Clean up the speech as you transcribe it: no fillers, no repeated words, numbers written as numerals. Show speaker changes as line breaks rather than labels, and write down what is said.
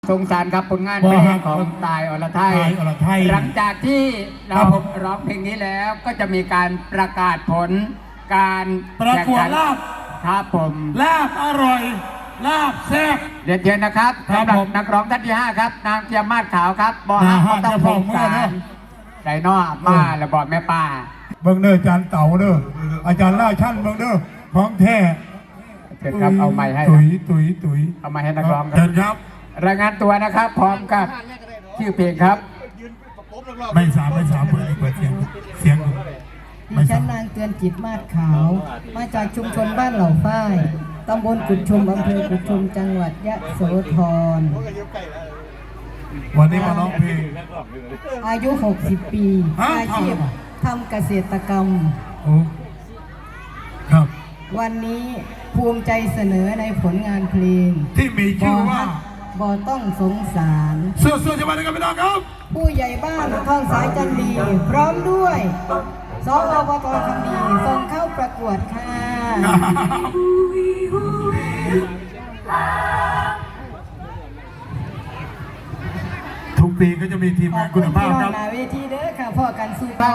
สงสารครับผลงานเพลงของตายอรไทยหลังจากที่เราร้องเพลงนี้แล้วก็จะมีการประกาศผลการ
ประกวดลาบ
ครับผม
ลาบอร่อยลาบแซ่บ
เรียนเชิญนะครับสำหรับนักร้องท่านที่5ครับนางเจียมมาศขาวครับบอฮักต้องพงการไก่นอมาและบอดแม่ป้า
เบิ้งเด้ออาจารย์เต่าเด้ออาจารย์ล่าชั่นเบิ้งเด้อของแท้
เชิญครับเอาไม้ให้
ตุ๋ย
เอาไม้ให้นักร้อง
ครับ
รายงานตัวนะครับพร้อมกับชื่อเพลงครับ
ไม่สามเปิดเสียง
ดิฉันนางเตือนจิตมาศขาวมาจากชุมชนบ้านเหล่าฝ้ายตำบลกุดชุมอำเภอกุดชุมจังหวัดยะโสธร
วันนี้มาร้องเพลง
อายุ60 ปีอาชีพทำเกษตรกรรม
ครับ
วันนี้ภูมิใจเสนอในผลงานเพลง
ที่มีชื่อว่า
บ่ต้องสงสาร
เสื้อจะมาในกันพี่น้องครับ
ผู้ใหญ่บ้านทองสายจันดีพร้อมด้วยสอบต.คำดีส่งเข้าประกวดค่ะ
ทุกปีก็จะมีทีมงานคุณภาพครับ
เวทีเด้อค่ะพ่อกันสู้